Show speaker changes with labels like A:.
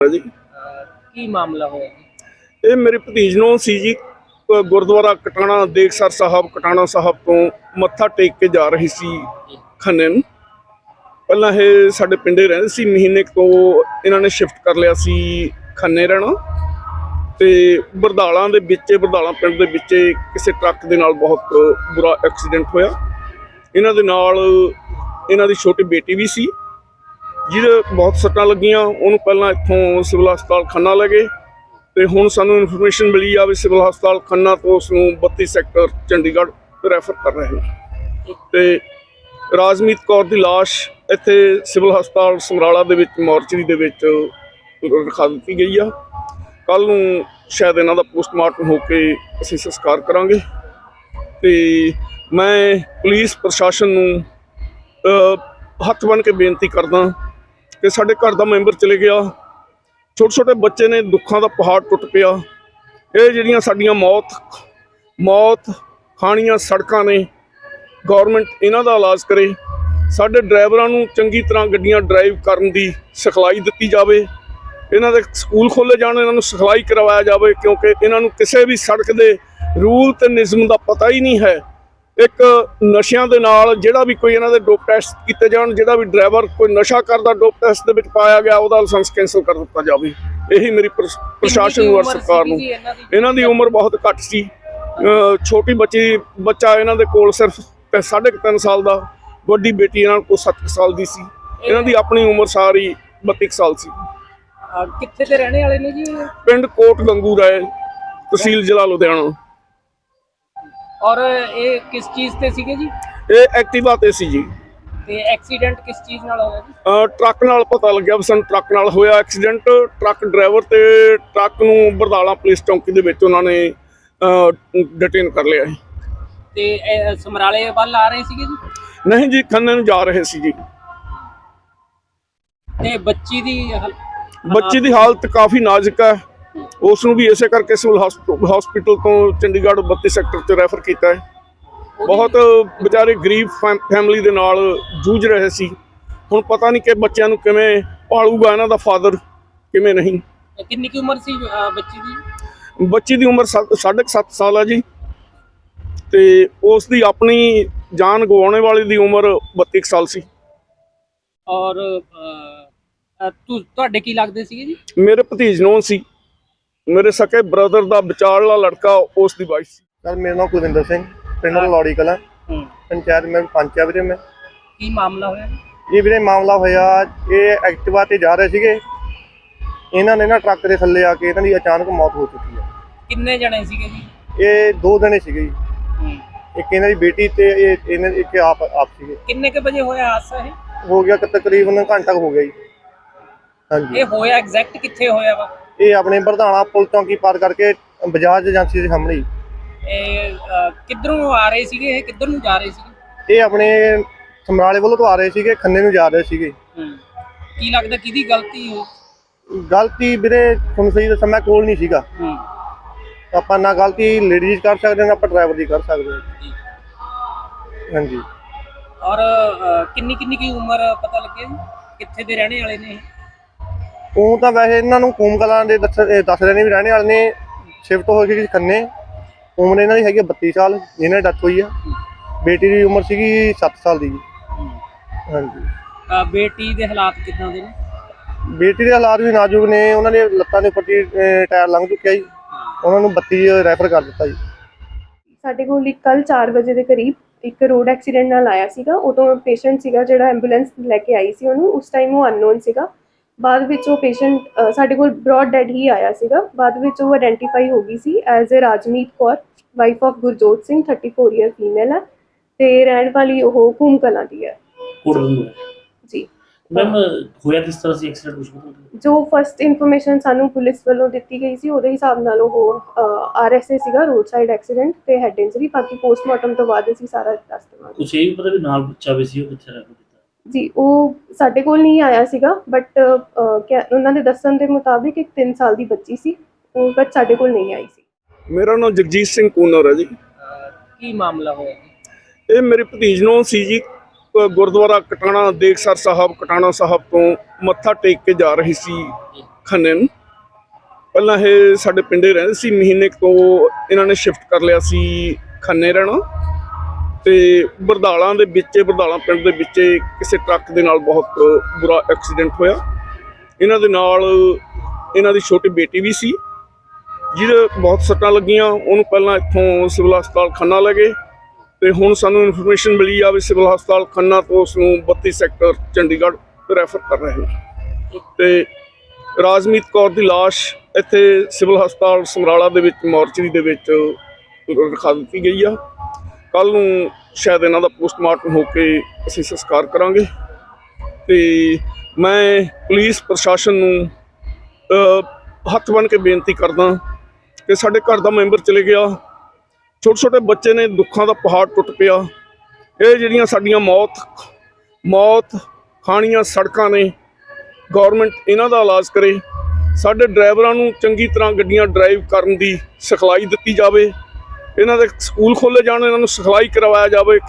A: जी
B: ਕੀ ਮਾਮਲਾ ਹੋਇਆ ਜੀ?
A: ਇਹ ਮੇਰੇ ਭਤੀਜ ਨੂੰ ਸੀ ਜੀ ਗੁਰਦੁਆਰਾ ਕਟਾਣਾ ਦੇਖਸਰ ਸਾਹਿਬ ਕਟਾਣਾ ਸਾਹਿਬ ਤੋਂ ਮੱਥਾ ਟੇਕ ਕੇ ਜਾ ਰਹੀ ਸੀ ਖੰਨੇ ਨੂੰ। ਪਹਿਲਾਂ ਇਹ ਸਾਡੇ ਪਿੰਡੇ ਰਹਿੰਦੇ ਸੀ, ਮਹੀਨੇ ਕੁ ਤੋਂ ਇਹਨਾਂ ਨੇ ਸ਼ਿਫਟ ਕਰ ਲਿਆ ਸੀ ਖੰਨੇ ਰਹਿਣਾ। ਤੇ ਬਰਦਾਲਾਂ ਦੇ ਵਿੱਚ, ਬਰਦਾਲਾਂ ਪਿੰਡ ਦੇ ਵਿੱਚ ਕਿਸੇ ਟਰੱਕ ਦੇ ਨਾਲ ਬਹੁਤ ਬੁਰਾ ਐਕਸੀਡੈਂਟ ਹੋਇਆ। ਇਹਨਾਂ ਦੇ ਨਾਲ ਇਹਨਾਂ ਦੀ ਛੋਟੀ ਬੇਟੀ ਵੀ ਸੀ ਜਿਹਦੇ ਬਹੁਤ ਸੱਟਾਂ ਲੱਗੀਆਂ। ਉਹਨੂੰ ਪਹਿਲਾਂ ਇੱਥੋਂ ਸਿਵਲ ਹਸਪਤਾਲ ਖੰਨਾ ਲੈ ਗਏ ਤੇ ਹੁਣ ਸਾਨੂੰ ਇਨਫੋਰਮੇਸ਼ਨ ਮਿਲੀ ਆ ਵੀ ਸਿਵਲ ਹਸਪਤਾਲ ਖੰਨਾ ਤੋਂ ਉਸ ਨੂੰ 32 ਸੈਕਟਰ ਚੰਡੀਗੜ੍ਹ ਰੈਫਰ ਕਰ ਰਹੇ ਨੇ। ਤੇ ਰਾਜਮੀਤ ਕੌਰ ਦੀ ਲਾਸ਼ ਇੱਥੇ ਸਿਵਲ ਹਸਪਤਾਲ ਸਮਰਾਲਾ ਦੇ ਵਿੱਚ ਮੋਰਚਰੀ ਦੇ ਵਿੱਚ ਰਖਾ ਦਿੱਤੀ ਗਈ ਆ। ਕੱਲ੍ਹ ਨੂੰ ਸ਼ਾਇਦ ਇਹਨਾਂ ਦਾ ਪੋਸਟਮਾਰਟਮ ਹੋ ਕੇ ਅਸੀਂ ਸੰਸਕਾਰ ਕਰਾਂਗੇ। ਤੇ ਮੈਂ ਪੁਲਿਸ ਪ੍ਰਸ਼ਾਸਨ ਨੂੰ ਹੱਥ ਬੰਨ੍ਹ ਕੇ ਬੇਨਤੀ ਕਰਦਾ ਕਿ ਸਾਡੇ ਘਰ ਦਾ ਮੈਂਬਰ ਚਲੇ ਗਿਆ, ਛੋਟੇ ਛੋਟੇ ਬੱਚੇ ਨੇ, ਦੁੱਖਾਂ ਦਾ ਪਹਾੜ ਟੁੱਟ ਪਿਆ। ਇਹ ਜਿਹੜੀਆਂ ਸਾਡੀਆਂ ਮੌਤ ਖਾਣੀਆਂ ਸੜਕਾਂ ਨੇ, ਗੌਰਮੈਂਟ ਇਹਨਾਂ ਦਾ ਇਲਾਜ ਕਰੇ। ਸਾਡੇ ਡਰਾਈਵਰਾਂ ਨੂੰ ਚੰਗੀ ਤਰ੍ਹਾਂ ਗੱਡੀਆਂ ਡਰਾਈਵ ਕਰਨ ਦੀ ਸਿਖਲਾਈ ਦਿੱਤੀ ਜਾਵੇ। ਇਹਨਾਂ ਦੇ ਸਕੂਲ ਖੋਲ੍ਹੇ ਜਾਣ, ਇਹਨਾਂ ਨੂੰ ਸਿਖਲਾਈ ਕਰਵਾਇਆ ਜਾਵੇ, ਕਿਉਂਕਿ ਇਹਨਾਂ ਨੂੰ ਕਿਸੇ ਵੀ ਸੜਕ ਦੇ ਰੂਲ ਤੇ ਨਿਯਮ ਦਾ ਪਤਾ ਹੀ ਨਹੀਂ ਹੈ। ਇੱਕ ਨਸ਼ਿਆਂ ਦੇ ਨਾਲ ਜਿਹੜਾ ਵੀ ਕੋਈ ਇਹਨਾਂ ਦੇ ਡੋਪ ਟੈਸਟ ਕੀਤੇ ਜਾਣ, ਜਿਹੜਾ ਵੀ ਡਰਾਈਵਰ ਕੋਈ ਨਸ਼ਾ ਕਰਦਾ ਡੋਪ ਟੈਸਟ ਦੇ ਵਿੱਚ ਪਾਇਆ ਗਿਆ ਉਹਦਾ ਲਾਇਸੈਂਸ ਕੈਂਸਲ ਕਰ ਦਿੱਤਾ ਜਾਵੇ। ਇਹੀ ਮੇਰੀ ਪ੍ਰਸ਼ਾਸਨ ਨੂੰ ਔਰ ਸਰਕਾਰ ਨੂੰ। ਇਹਨਾਂ ਦੀ ਉਮਰ ਬਹੁਤ ਘੱਟ ਸੀ, ਛੋਟੀ ਬੱਚਾ ਇਹਨਾਂ ਦੇ ਕੋਲ ਸਿਰਫ 3.5 ਸਾਲ ਦਾ, ਵੱਡੀ ਬੇਟੀ ਇਹਨਾਂ ਕੋਲ 7 ਸਾਲ ਦੀ ਸੀ। ਇਹਨਾਂ ਦੀ ਆਪਣੀ ਉਮਰ ਸਾਰੀ 32 ਸਾਲ ਸੀ।
B: ਕਿੱਥੇ ਦੇ ਰਹਿਣੇ ਵਾਲੇ ਨੇ ਜੀ?
A: ਪਿੰਡ ਕੋਟ ਗੰਗੂ ਰਾਏ, ਤਹਿਸੀਲ ਜ਼ਿਲ੍ਹਾ ਲੁਧਿਆਣਾ।
B: ਔਰ ਇਹ ਕਿਸ ਚੀਜ਼ ਤੇ ਸੀਗੇ ਜੀ?
A: ਇਹ ਐਕਟਿਵਾ ਤੇ ਸੀ ਜੀ।
B: ਤੇ ਐਕਸੀਡੈਂਟ ਕਿਸ ਚੀਜ਼ ਨਾਲ ਹੋਇਆ ਜੀ?
A: ਟਰੱਕ ਨਾਲ ਪਤਾ ਲੱਗਿਆ ਵੀ ਸਾਨੂੰ ਟਰੱਕ ਨਾਲ ਹੋਇਆ ਐਕਸੀਡੈਂਟ। ਟਰੱਕ ਡਰਾਈਵਰ ਤੇ ਟਰੱਕ ਨੂੰ ਬਰਦਾਲਾ ਪੁਲਿਸ ਚੌਂਕੀ ਦੇ ਵਿੱਚ ਉਹਨਾਂ ਨੇ ਡਿਟੇਨ ਕਰ ਲਿਆ ਹੈ।
B: ਤੇ ਸਮਰਾਲੇ ਵੱਲ ਆ ਰਹੇ ਸੀਗੇ ਜੀ?
A: ਨਹੀਂ ਜੀ, ਖੰਨੇ ਨੂੰ ਜਾ ਰਹੇ ਸੀ ਜੀ।
B: ਤੇ ਬੱਚੀ ਦੀ
A: ਹਾਲਤ ਕਾਫੀ ਨਾਜ਼ੁਕ ਹੈ। ਉਸ ਨੂੰ ਵੀ ਇਸੇ ਕਰਕੇ ਸਿਵਲ ਹਸਪੀਟਲ ਤੋਂ ਚੰਡੀਗੜ੍ਹ 32 ਸੈਕਟਰ 'ਚ ਰੈਫਰ ਕੀਤਾ ਹੈ। ਬਹੁਤ ਵਿਚਾਰੇ ਗਰੀਬ ਫੈਮਿਲੀ ਦੇ ਨਾਲ ਜੂਝ ਰਹੇ ਸੀ। ਹੁਣ ਪਤਾ ਨਹੀਂ ਕਿ ਬੱਚਿਆਂ ਨੂੰ ਕਿਵੇਂ ਪਾਲੂਗਾ ਇਹਨਾਂ ਦਾ ਫਾਦਰ, ਕਿਵੇਂ ਨਹੀਂ।
B: ਕਿੰਨੀ ਕੀ ਉਮਰ ਸੀ ਬੱਚੀ ਦੀ?
A: ਬੱਚੀ ਦੀ ਉਮਰ 7.5 ਸਾਲ ਹੈ ਜੀ। ਤੇ ਉਸ ਦੀ ਆਪਣੀ ਜਾਨ ਗਵਾਉਣੇ ਵਾਲੀ ਦੀ ਉਮਰ 32 ਸਾਲ ਸੀ।
B: ਔਰ ਤੁਹਾਡੇ ਕੀ ਲੱਗਦੇ ਸੀਗੇ ਜੀ?
A: ਮੇਰੇ ਭਤੀਜ ਨੂੰ ਸੀ, ਮੇਰੇ ਸਕੇ ਬ੍ਰਦਰ ਦਾ ਵਿਚਾਰਲਾ ਲੜਕਾ, ਉਸ ਦੀ ਵਾਈਫ ਸੀ।
C: सर मेरा नाम कुलविंदर सिंह, पिंड लौड़ी कला, पंचायत में पंच है वीरे। मैं
B: ਕੀ ਮਾਮਲਾ ਹੋਇਆ?
C: ये वीरे मामला होया, ये एक्टिवा ते जा रहे सीगे, इन्हां ने ना ट्रक दे थल्ले आके इन्हां दी अचानक मौत हो चुकी है।
B: ਕਿੰਨੇ ਜਣੇ ਸੀਗੇ ਜੀ?
C: ये 2 जने सीगे जी, एक इन्हां दी बेटी ते एक आप सीगे।
B: ਕਿੰਨੇ ਕੇ ਵਜੇ ਹੋਇਆ ਹਾਦਸਾ ਇਹ?
C: हो गया तकरीबन घंटा हो गया जी। हाँ जी,
B: ਇਹ ਹੋਇਆ ਐਗਜ਼ੈਕਟ ਕਿੱਥੇ ਹੋਇਆ ਵਾ?
C: ये अपने बरधाना पुल चौंकी पार करके बजाज एजेंसी के सामने ही।
B: ਇਹ ਕਿੱਧਰੋਂ ਆ ਰਹੇ ਸੀਗੇ? ਇਹ ਕਿੱਧਰ ਨੂੰ ਜਾ ਰਹੇ ਸੀਗੇ?
C: ये अपने समराले वालों तो आ रहे सीगे, खन्ने नूं जा रहे सीगे।
B: ਕੀ ਲੱਗਦਾ ਕਿਹਦੀ ਗਲਤੀ ਹੋ?
C: गलती वीरे तुहानूं सही दस्सां, मैं कोल नहीं सीगा। ਆਪਾਂ ਨਾ ਗਲਤੀ ਲੇਡੀਜ਼ ਕਰ ਸਕਦੇ ਨਾ ਆਪਾਂ ਡਰਾਈਵਰ ਦੀ ਕਰ ਸਕਦੇ ਹਾਂ। ਹਾਂਜੀ।
B: ਔਰ ਕਿੰਨੀ ਕੀ ਉਮਰ ਪਤਾ ਲੱਗਿਆ ਜੀ? ਕਿੱਥੇ ਦੇ ਰਹਿਣੇ ਵਾਲੇ ਨੇ?
C: ਉਹ ਤਾਂ ਵੈਸੇ ਇਹਨਾਂ ਨੂੰ ਕੂਮ ਕਲਾਂ ਦੇ ਦੱਸ ਰਹੇ ਨੇ ਵੀ ਰਹਿਣੇ ਵਾਲੇ ਨੇ। ਸ਼ਿਫਟ ਹੋ ਗਈ ਖੰਨੇ। ਉਮਰ ਇਹਨਾਂ ਦੀ ਹੈਗੀ 32 ਸਾਲ, ਜਿਹਨਾਂ ਦੀ ਡੈਥ ਹੋਈ ਆ। ਬੇਟੀ ਦੀ ਉਮਰ ਸੀਗੀ 7 ਸਾਲ ਦੀ। ਹਾਂਜੀ।
B: ਬੇਟੀ ਦੇ ਹਾਲਾਤ ਕਿੱਦਾਂ ਦੇ ਨੇ?
C: ਬੇਟੀ ਦੇ ਹਾਲਾਤ ਵੀ ਨਾਜ਼ੁਕ ਨੇ। ਉਹਨਾਂ ਦੇ ਲੱਤਾਂ ਦੇ ਉੱਪਰ ਟਾਇਰ ਲੰਘ ਚੁੱਕਿਆ ਜੀ। ਉਹਨਾਂ ਨੂੰ 32 ਰੈਫਰ ਕਰ ਦਿੱਤਾ ਜੀ।
D: ਸਾਡੇ ਕੋਲ ਇੱਕ ਕੱਲ੍ਹ 4 ਵਜੇ ਦੇ ਕਰੀਬ ਇੱਕ ਰੋਡ ਐਕਸੀਡੈਂਟ ਨਾਲ ਆਇਆ ਸੀਗਾ। ਉਦੋਂ ਪੇਸ਼ੈਂਟ ਸੀਗਾ ਜਿਹੜਾ ਐਂਬੂਲੈਂਸ ਲੈ ਕੇ ਆਈ ਸੀ ਉਹਨੂੰ, ਉਸ ਟਾਈਮ ਉਹ ਅਨਨੋਨ ਸੀਗਾ। ਬਾਅਦ ਵਿੱਚ ਉਹ ਪੇਸ਼ੈਂਟ ਸਾਡੇ ਕੋਲ ਬ੍ਰੌਡ ਡੈਡ ਹੀ ਆਇਆ ਸੀਗਾ। ਬਾਅਦ ਵਿੱਚ ਉਹ ਆਇਡੈਂਟੀਫਾਈ ਹੋ ਗਈ ਸੀ as a Rajmeet Kaur, wife of Gurjot Singh, 34 year female ਹੈ ਤੇ ਰਹਿਣ ਵਾਲੀ ਉਹ ਕੂਮ ਕਲਾਂ ਦੀ ਹੈ ਜੀ।
E: ਮੈਮ ਹੋਇਆ ਕਿਸ ਤਰ੍ਹਾਂ ਸੀ ਐਕਸੀਡੈਂਟ? ਕੁਝ
D: ਜੋ ਫਸਟ ਇਨਫੋਰਮੇਸ਼ਨ ਸਾਨੂੰ ਪੁਲਿਸ ਵੱਲੋਂ ਦਿੱਤੀ ਗਈ ਸੀ ਉਹਦੇ ਹਿਸਾਬ ਨਾਲ ਉਹ RSA ਸੀਗਾ, ਰੋਡ ਸਾਈਡ ਐਕਸੀਡੈਂਟ ਤੇ ਹੈਡ ਇੰਜਰੀ। ਬਾਕੀ ਪੋਸਟਮਾਰਟਮ ਤੋਂ ਬਾਅਦ ਅਸੀਂ ਸਾਰਾ ਦੱਸ ਦੇਵਾਂਗੇ।
E: ਕੁਝ ਇਹ ਵੀ ਪਤਾ ਵੀ ਨਾਲ ਬੱਚਾ ਵੀ ਸੀ, ਉਹ ਕਿੱਥੇ ਰਹਿ ਗਿਆ
D: ਜੀ? ਉਹ ਸਾਡੇ ਕੋਲ ਨਹੀਂ ਆਇਆ ਸੀਗਾ, ਬਟ ਉਹਨਾਂ ਦੇ ਦੱਸਣ ਦੇ ਮੁਤਾਬਿਕ ਇੱਕ 3 ਸਾਲ ਦੀ ਬੱਚੀ ਸੀ, ਉਹ ਬਟ ਸਾਡੇ ਕੋਲ ਨਹੀਂ ਆਈ ਸੀ।
A: ਮੇਰਾ ਨਾਮ ਜਗਜੀਤ ਸਿੰਘ ਕੂਨਰ ਹੈ ਜੀ।
B: ਕੀ ਮਾਮਲਾ ਹੋਇਆ ਜੀ?
A: ਇਹ ਮੇਰੇ ਭਤੀਜ ਨੂੰ ਸੀ ਜੀ ਗੁਰਦੁਆਰਾ ਕਟਾਣਾ ਦੇਖਸਰ ਸਾਹਿਬ ਕਟਾਣਾ ਸਾਹਿਬ ਤੋਂ ਮੱਥਾ ਟੇਕ ਕੇ ਜਾ ਰਹੀ ਸੀ ਖੰਨੇ ਨੂੰ। ਪਹਿਲਾਂ ਇਹ ਸਾਡੇ ਪਿੰਡੇ ਰਹਿੰਦੇ ਸੀ, ਮਹੀਨੇ ਕੁ ਤੋਂ ਇਹਨਾਂ ਨੇ ਸ਼ਿਫਟ ਕਰ ਲਿਆ ਸੀ ਖੰਨੇ ਰਹਿਣਾ। ਤੇ ਬਰਦਾਲਾਂ ਦੇ ਵਿੱਚ, ਬਰਦਾਲਾਂ ਪਿੰਡ ਦੇ ਵਿੱਚ ਕਿਸੇ ਟਰੱਕ ਦੇ ਨਾਲ ਬਹੁਤ ਬੁਰਾ ਐਕਸੀਡੈਂਟ ਹੋਇਆ। ਇਹਨਾਂ ਦੇ ਨਾਲ ਇਹਨਾਂ ਦੀ ਛੋਟੀ ਬੇਟੀ ਵੀ ਸੀ ਜਿਹਦੇ ਬਹੁਤ ਸੱਟਾਂ ਲੱਗੀਆਂ। ਉਹਨੂੰ ਪਹਿਲਾਂ ਇੱਥੋਂ ਸਿਵਲ ਹਸਪਤਾਲ ਖੰਨਾ ਲੈ ਗਏ ਤੇ ਹੁਣ ਸਾਨੂੰ ਇਨਫੋਰਮੇਸ਼ਨ ਮਿਲੀ ਆ ਵੀ ਸਿਵਲ ਹਸਪਤਾਲ ਖੰਨਾ ਤੋਂ ਉਸ ਨੂੰ 32 ਸੈਕਟਰ ਚੰਡੀਗੜ੍ਹ ਰੈਫਰ ਕਰ ਰਹੇ ਨੇ। ਤੇ ਰਾਜਮੀਤ ਕੌਰ ਦੀ ਲਾਸ਼ ਇੱਥੇ ਸਿਵਲ ਹਸਪਤਾਲ ਸਮਰਾਲਾ ਦੇ ਵਿੱਚ ਮੋਰਚਰੀ ਦੇ ਵਿੱਚ ਰਖਾ ਦਿੱਤੀ ਗਈ ਆ। ਕੱਲ੍ਹ ਨੂੰ ਸ਼ਾਇਦ ਇਹਨਾਂ ਦਾ ਪੋਸਟਮਾਰਟਮ ਹੋ ਕੇ ਅਸੀਂ ਸੰਸਕਾਰ ਕਰਾਂਗੇ। ਤੇ ਮੈਂ ਪੁਲਿਸ ਪ੍ਰਸ਼ਾਸਨ ਨੂੰ ਹੱਥ ਬੰਨ੍ਹ ਕੇ ਬੇਨਤੀ ਕਰਦਾ ਕਿ ਸਾਡੇ ਘਰ ਦਾ ਮੈਂਬਰ ਚਲੇ ਗਿਆ, ਛੋਟੇ ਛੋਟੇ ਬੱਚੇ ਨੇ, ਦੁੱਖਾਂ ਦਾ ਪਹਾੜ ਟੁੱਟ ਪਿਆ। ਇਹ ਜਿਹੜੀਆਂ ਸਾਡੀਆਂ ਮੌਤ ਖਾਣੀਆਂ ਸੜਕਾਂ ਨੇ, ਗੌਰਮੈਂਟ ਇਹਨਾਂ ਦਾ ਇਲਾਜ ਕਰੇ। ਸਾਡੇ ਡਰਾਈਵਰਾਂ ਨੂੰ ਚੰਗੀ ਤਰ੍ਹਾਂ ਗੱਡੀਆਂ ਡਰਾਈਵ ਕਰਨ ਦੀ ਸਿਖਲਾਈ ਦਿੱਤੀ ਜਾਵੇ। ਇਹਨਾਂ ਦੇ ਸਕੂਲ ਖੋਲ੍ਹੇ ਜਾਣ, ਇਹਨਾਂ ਨੂੰ ਸਿਖਲਾਈ ਕਰਵਾਇਆ ਜਾਵੇ।